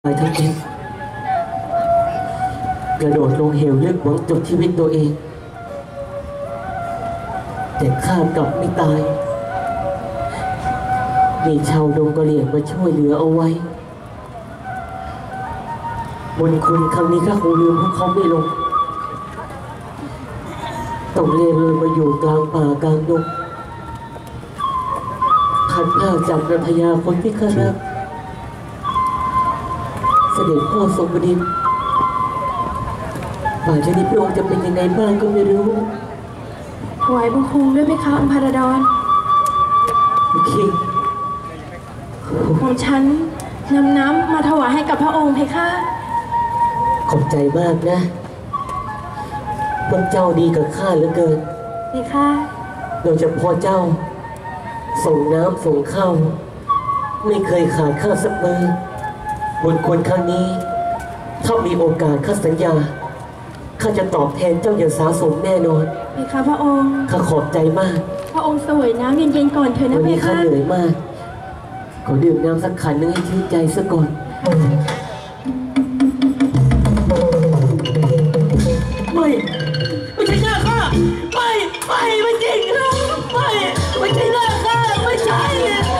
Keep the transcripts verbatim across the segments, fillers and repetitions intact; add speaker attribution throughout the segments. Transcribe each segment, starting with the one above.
Speaker 1: ไปทั้งเองกระโดดลงเหวลึกหวังจบชีวิตตัวเองแต่ข้ากลับไม่ตายมีชาวดงกะเหรี่ยงมาช่วยเหลือเอาไว้บุญคุณครั้งนี้ข้าคงลืมพวกเขาไม่ลงต้องเล่ร่อนมาอยู่กลางป่ากลางดงพัดพลาดจากนภยาคนที่ข้ารักเสด็จพ่อทรงบดินทร์ป่าชนิดพระองค์จะเป็นยังไงบ้างก็ไม่รู้
Speaker 2: ถวายบังคมด้วยไหมคะอัมพาราดอน
Speaker 1: โอเค
Speaker 2: ของฉันนำน้ำมาถวายให้กับพระองค์เพคะ
Speaker 1: ขอบใจมากนะพวกเจ้าดีกับข้าเหลือเกิน
Speaker 2: เพคะ
Speaker 1: โดยเฉพาะเจ้าส่งน้ำส่งข้าวไม่เคยขาดข้าสักมือบนคนครั้งนี้ถ้ามีโอกาสข้าสัญญาข้าจะตอบแทนเจ้าอย่างสาสมแน่นอน
Speaker 2: เพคะพระองค์
Speaker 1: ข้าขอบใจมาก
Speaker 2: พระองค์สวยน้ำเย็นๆก่อนเถอะนะเพคะวันนี้
Speaker 1: ข้าเหนื่อยมากขอดื่มน้ำสักขันนึงให้ชื่นใจซะก่อนไม่ไม่ใช่หน้าข้าไม่ไม่ไม่จริงไม่ไม่ใช่หน้าข้าไม่ใช่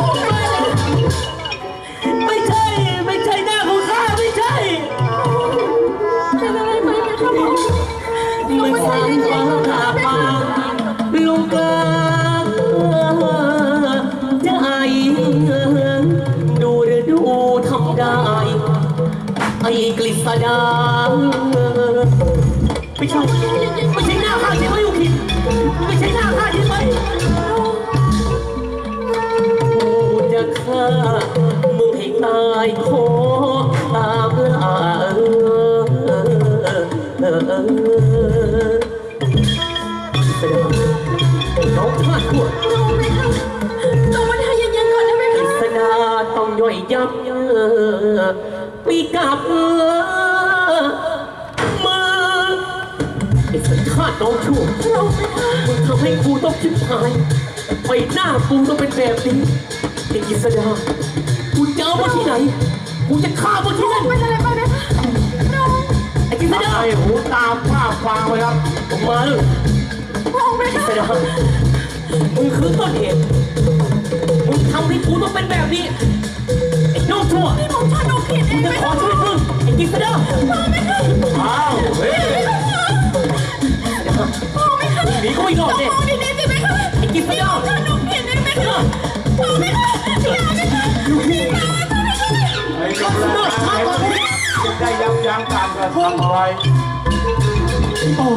Speaker 1: ไม่ใช่ไม่ใช่หน้าของข้าไม่ใช่
Speaker 2: เป็นอะไรไปไหมครับผม
Speaker 1: ไม่ใช่ฟ้าผ่าปางลงกลางจะไอดูหรือดูทำได้ไอ้กฤษดาไม่ใช่ไม่ใช่หน้าข้าใช่ไหมอุคินไม่ใช่หน้าข้าใช่ไหมกูจะฆ่ามึงให้ตายขอตามล่าน้องชาติขวด
Speaker 2: น้องไหมคะน้องมาทายเย็นๆก่อนได้ไหมคะ
Speaker 1: สดาต้องย่อยยับปีกับมือไอ้สัญชาติน้องชั่วมึงทำให้กูต้องชิบหายไปหน้ากูต้องเป็นแบบนี้ไอ้กิษดากูจะเอามาที่ไหนกูจะฆ่ามาที่นั่น
Speaker 2: เป็นอะไรไปไหมคะน้อง
Speaker 1: ไอ้กิษดา
Speaker 3: ไอ้หูตาผ้าฟางไว้ครับ
Speaker 1: ผมมาเลย
Speaker 2: น้องไหมคะ
Speaker 1: กิษดามึงคือต้นเหตุมึงทำให้กูต้องเป็นแบบนี้ไอ้น้องชั่ว
Speaker 2: นี่ผมชอบน้องผิดเอง
Speaker 1: จะขอช่วยมึงไอ้กิษดา
Speaker 2: น้องไหมคะ
Speaker 3: อ้าวเฮ้ย
Speaker 2: น้องไหมคะ
Speaker 1: หนีก็ไม่รอดเนี่ย
Speaker 2: น้องดีๆสิไหมคะ
Speaker 1: ไอ้กิษดา
Speaker 2: ชอบน้องผิดเองไหมคะน้องไหมคะอย่าไหมคะ
Speaker 3: ไอ้กำลังได้ยับยั้งการกระทำอะไร
Speaker 4: โอ้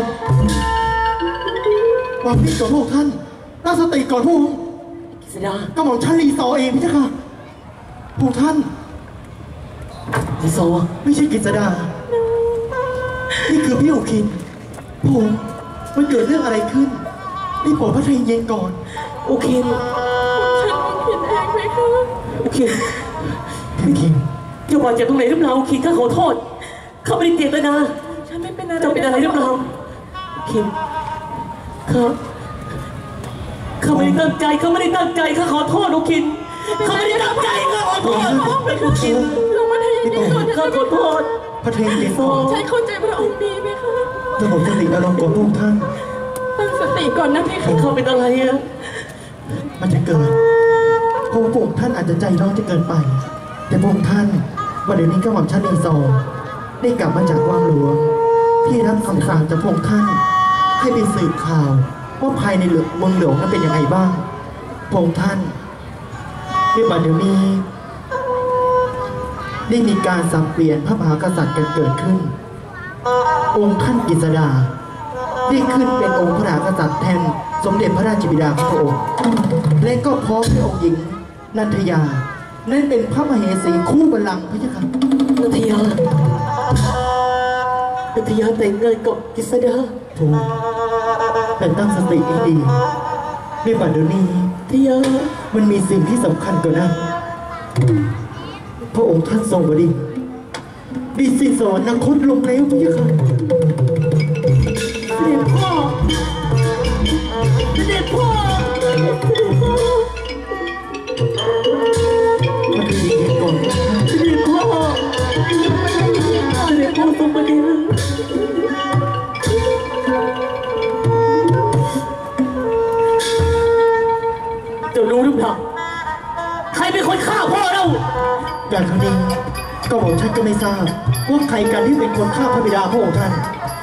Speaker 4: วางมีดก่อนพวกท่านตั้งสติก่อนพวก
Speaker 1: กิษดา
Speaker 4: ก็บอกฉันรีซอเองพี่เจ้าค่ะพวกท่าน
Speaker 1: รีซอ
Speaker 4: ไม่ใช่กิษดานี่คือพี่โอคินผมมันเกิดเรื่องอะไรขึ้นนี่โปรดพระทัยเย็นก่อน
Speaker 1: โอเค
Speaker 2: ฉันผิดเองไหมคะ
Speaker 1: โอเค
Speaker 4: พี่คิง
Speaker 1: จะว่าจะตรงไหนหรือเปล่าโอเคข้าขอโทษข้าไม่ได้เจตนา
Speaker 2: ฉันไม่เป็นอะไร
Speaker 1: จะเป็นอะไรหรือเปล่าโอเคข้าข้าไม่ได้ตั้งใจข้าไม่ได้ตั้งใจข้าขอโทษโอคินข้าไม่ได้ตั้งใจข้าขอโทษโอคิน
Speaker 2: ลงมาทายเย็นๆก่อน
Speaker 1: ข้าขอโทษ
Speaker 4: พระทัยเย็นก่อน
Speaker 2: ฉันเข้าใจพระองค์ดีไหมคะ
Speaker 4: จะบอกสติอารมณ์ก่อนพวกท่าน
Speaker 2: ตั้งสติก่อนนะพี่
Speaker 1: เขาเป็นอะไรอะ
Speaker 4: มันจะเกิดเพราะพวกท่านอาจจะใจร้อนจะเกินไปแต่พวกท่านวันเดี๋ยวนี้ก็หม่อมชันอีซอได้กลับมาจากวังหลวงที่รับคำสั่งจากพวกท่านให้ไปสืบข่าวว่าภายในเมืองหลวงนั้นเป็นยังไงบ้างพวกท่านในบัดเดี๋ยวนี้ได้มีการสับเปลี่ยนพระมหากษัตริย์กันเกิดขึ้นองค์ท่านกฤษดาได้ขึ้นเป็นองค์พระมหากษัตริย์แทนสมเด็จพระราชบิดาของพระองค์และก็พร้อมด้วยองค์หญิงนันทยานั่นเป็นพระมเหสีคู่บัลลังก์พระเจ้าค่ะ
Speaker 1: นันทยานันทยาแต่งงานกับกฤษดา
Speaker 4: ถูกแต่ตั้งสติให้ดีในบัดเดี๋ยวนี้
Speaker 1: ทยา
Speaker 4: มันมีสิ่งที่สำคัญกว่านั้นพระองค์ท่านทรงบดินทร์ดิสิสอนนักคดลงแล้วพระเจ้าค่ะ
Speaker 1: เสด็จพ่อเสด็จพ่อเสด็จพ่อ
Speaker 4: มาคือเย็นก่อน
Speaker 1: เสด็จพ่อสมบัติเจ้ารู้หรือเปล่าใครเป็นคนฆ่าพ่อเรา
Speaker 4: อย่างครั้งนี้ก็บอกฉันก็ไม่ทราบว่าใครกันที่เป็นคนฆ่าพระบิดาพระองค์ท่าน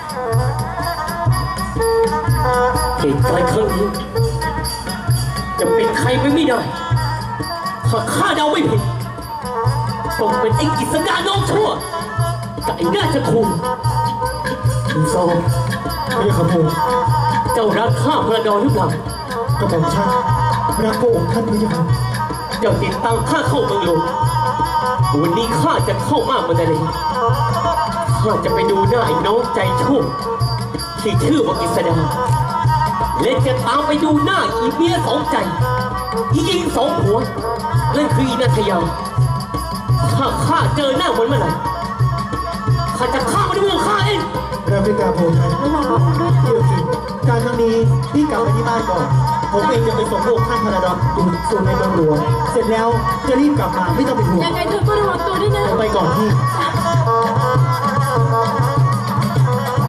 Speaker 1: เหตุการณ์ครั้งนี้จะเป็นใครไปไม่ได้ถ้าข้าเดาไม่ผิดต้องเป็นไอ้กิษดาน้องชั่วกับไอ้น่าจะคุมคุณโซ
Speaker 4: ไม่ใช่ขโมย
Speaker 1: เจ้ารักข้าพระดอนหรือเปล่า
Speaker 4: ก็บอกฉันรักพระองค์ท่านไม่ใช่ครับ
Speaker 1: เจ้าติดตามข้าเข้าเมืองหลวงวันนี้ข้าจะเข้ามากมันอะไรข้าจะไปดูหน้าไอ้น้องใจชั่วที่ชื่อว่ากิษดาและจะตามไปดูหน้าอีเมียสองใจอียิงสองหัวนั่นคืออีนัทยาถ้าข้าเจอหน้ามันเมื่อไหร่ข้าจะฆ่ามันด้วยมือข้าเอง
Speaker 4: เราเป็นการพระองค์ท่านเกี่ยวกับการครั้งนี้พี่กลับไปที่บ้านก่อนผมเองจะไปส่งพระองค์ท่านพระดอนอยู่สู่ในเมืองหลวงเสร็จแล้วจะรีบกลับมาไม่ต้องเป็นห่วง
Speaker 2: ยังไงเธอก็ระวังตัวด้วยนะ
Speaker 4: ผมไปก่อนพี่
Speaker 2: ใช่